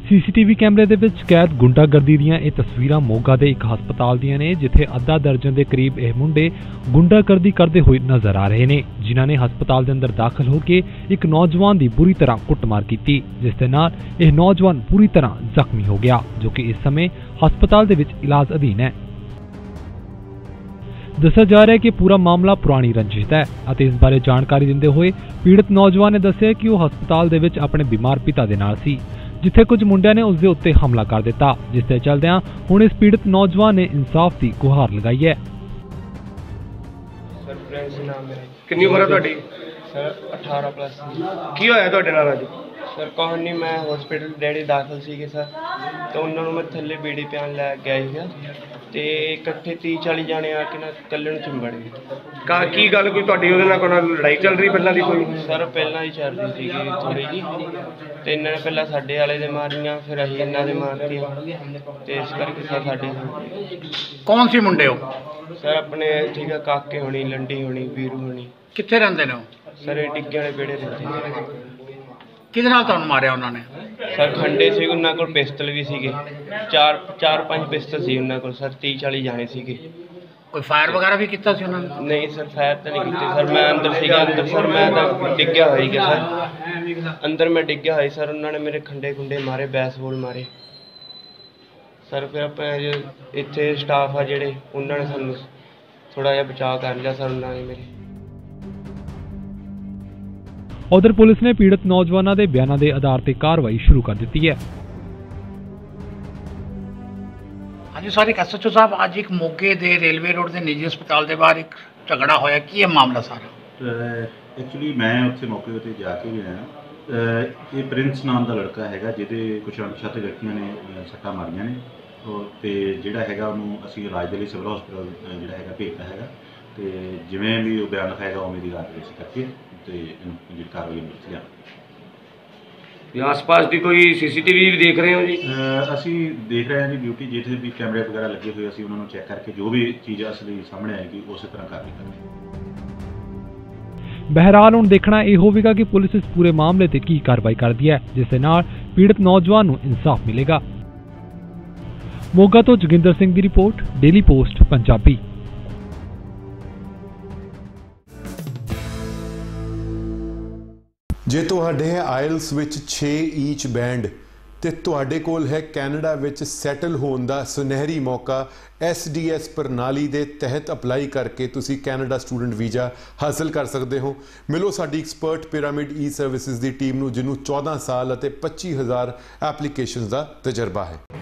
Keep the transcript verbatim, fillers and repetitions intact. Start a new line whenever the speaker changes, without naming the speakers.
CCTV कैमरे दे विच कैद गुंडागर्दी दीयां ये तस्वीरां मोगा दे एक हस्पताल दीयां ने जिथे अद्धा दर्जन के करीब यह मुंडे गुंडागर्दी करते हुए नजर आ रहे ने, जिन्हां ने हस्पताल के अंदर दाखिल होकर एक नौजवान की बुरी तरह कुटमार की, जिस दे नाल यह नौजवान पूरी तरह जख्मी हो गया, जो कि इस समय हस्पताल दे विच इलाज अधीन है। दस्सिया जा रहा है कि पूरा मामला पुरानी रंजिश है और इस बारे जानकारी देंदे हुए पीड़ित नौजवान ने दस्सिया कि वह हस्पताल दे विच अपने बीमार पिता दे नाल सी, जिथे कुछ मुंडिया ने उसके उत्ते हमला कर दिता, जिसके चलदियां हुण इस पीड़ित नौजवान ने इंसाफ की गुहार लगाई है।
कितनी उम्र है तुहाडी?
सर अठारह प्लस।
की होया तुहाडे नाल अज?
सर कुछ नहीं, मैं हॉस्पिटल डैडी दाखिल सी सर, तो उन्होंने मैं थले बीड़ी पियान लै गया ते इकट्ठे तीह चाली जाने आके ना कल्ले नूं चिंबड़ गए।
का की गल कोई तुहाडी उहदे नाल कोई लड़ाई चल रही पहलां दी कोई?
सर पहलां ही चल रही सी थोड़ी जी, ते इन्हां ने पहलां साडे वाले दे मारियां, फिर असीं इन्हां दे मारतियां, ते इस करके सर साडे।
कौन सी मुंडे हो?
सर अपने ठीक है, काके होनी, लंडी होनी, वीरू होनी।
कित्थे रहिंदे ने?
सर ये डिग्गे वाले बेड़े रहंदे।
किहदे नाल तुहानूं मारिया उन्होंने?
सर खंडे से उन्होंने कोल पिस्टल भी सीगे, चार चार पांच पिस्टल सी उन्होंने कोल सर, तीह चाली जाने सीगे।
कोई फायर वगैरह भी किया सी उन्होंने?
नहीं सर फायर तो नहीं किए सर, मैं अंदर सीगा, अंदर सर मैं तो डिग्या हो गया सर, अंदर मैं डिग्या होई सर, उन्होंने मेरे खंडे खुंडे मारे, बैसबॉल मारे सर। फिर आप इत्थे स्टाफ आ जेडे उन्होंने सानू थोड़ा जिहा बचाव कर लिया सर उन्होंने मेरे।
उधर पुलिस ने पीड़ित नौजवानों के बयानों के आधार पर कार्रवाई शुरू कर दी है।
हाँ जी सर, एक एस एच ओ साहब आज एक मोगे दे रेलवे रोड के निजी हस्पताल के बाहर एक झगड़ा होया, की है मामला सारा?
एक्चुअली मैं उत्थे मौके उत्ते जाके भी आया। ये प्रिंस नाम का लड़का है जिहदे कुछ अणपछाते व्यक्तियों ने सट्टा मारियां ने, तो जिहड़ा हैगा उहनूं असीं इलाज दे लई सिविल हॉस्पिटल जिहड़ा हैगा भेजता हैगा, ते जिवें भी वो बयान लिखाएगा उवें दी कार्रवाई करके ते जिहड़ी कार्रवाई अमल लिया।
आस पास की कोई सीसीटीवी भी देख रहे हो जी?
असी देख रहे हैं जी ड्यूटी, जिथे भी कैमरे वगैरह लगे हुए असी उन्होंने चेक करके जो भी चीज़ असली सामने आएगी उस तरह कार्रवाई करेंगे।
बहरहाल हुण देखना यह होगा कि पुलिस इस पूरे मामले ते की कार्रवाई करती है, जिस दे नाल पीड़ित नौजवान नूं इंसाफ मिलेगा। मोगा तो जोगिंदर सिंह की रिपोर्ट, डेली पोस्ट पंजाबी।
जे तुहाडे आयल्स विच छे ईच बैंड ते तुहाडे कोल है कैनेडा विच सैटल होने का सुनहरी मौका, एस डी एस प्रणाली के तहत अपलाई करके तुसी कैनेडा स्टूडेंट वीज़ा हासिल कर सकते हो। मिलो साडी एक्सपर्ट पिरामिड ई सर्विसेज की टीम नूं, जिन्हों चौदह साल और पच्ची हज़ार एप्लीकेशन का तजर्बा है।